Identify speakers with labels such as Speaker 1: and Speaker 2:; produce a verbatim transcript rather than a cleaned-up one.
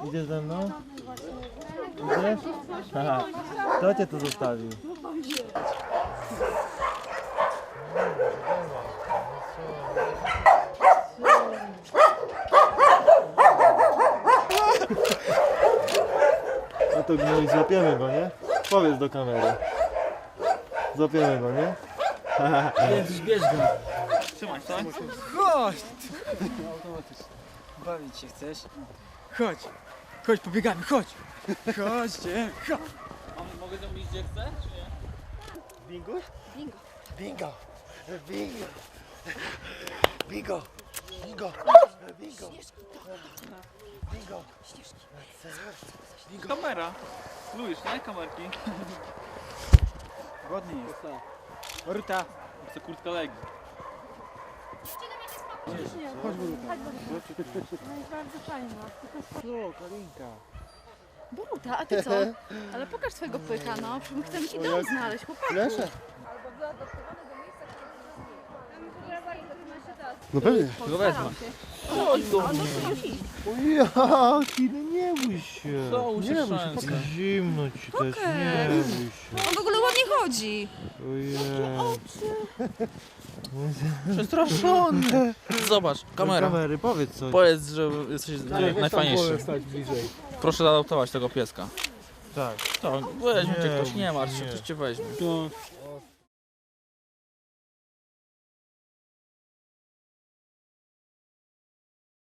Speaker 1: Idziesz ze mną? Idziesz? Aha. Kto cię tu zostawił? No to gnój, złapiemy go, nie? Powiedz do kamery. Złapiemy go, nie?
Speaker 2: Bierz, bierz go.
Speaker 3: Trzymaj, tak?
Speaker 2: Chodź! Automatycznie. Bawić się chcesz? Chodź. Chodź, pobiegamy, chodź. Chodźcie. Chodź.
Speaker 3: Mogę zrobić gdzie chcę, czy nie?
Speaker 1: Bingo?
Speaker 4: Bingo.
Speaker 1: Bingo! Bingo! Bingo! Bingo! Bingo! Bingo!
Speaker 4: Ścieżki.
Speaker 3: Kamera. Lubisz, nie? Kamerki.
Speaker 2: Głodny jest. Ruta.
Speaker 3: Chcę kurtkę Legii.
Speaker 2: Chodź, Boruta.
Speaker 4: No i bardzo fajna.
Speaker 2: O, Karinka.
Speaker 4: Boruta, a ty co? Ale pokaż swojego pyka, no. Chcemy ci dom znaleźć, chłopaku.
Speaker 1: Leszę. No pewnie.
Speaker 3: Go wezmę.
Speaker 1: Jaki, no nie bój się.
Speaker 3: Co, usiądź
Speaker 1: Nie bój się,
Speaker 3: szansa.
Speaker 1: tak zimno ci też, nie bój się.
Speaker 4: On w ogóle ładnie chodzi.
Speaker 1: Ojej.
Speaker 3: Przestraszony. Zobacz, kamera.
Speaker 1: Kamery, powiedz coś.
Speaker 3: Powiedz, że jesteś najfajniejszy. Proszę zaadoptować tego pieska.
Speaker 1: Tak.
Speaker 3: To weźmie cię
Speaker 1: Nie,
Speaker 3: ktoś, nie martw się,
Speaker 1: nie.
Speaker 3: ktoś cię weźmie.
Speaker 2: To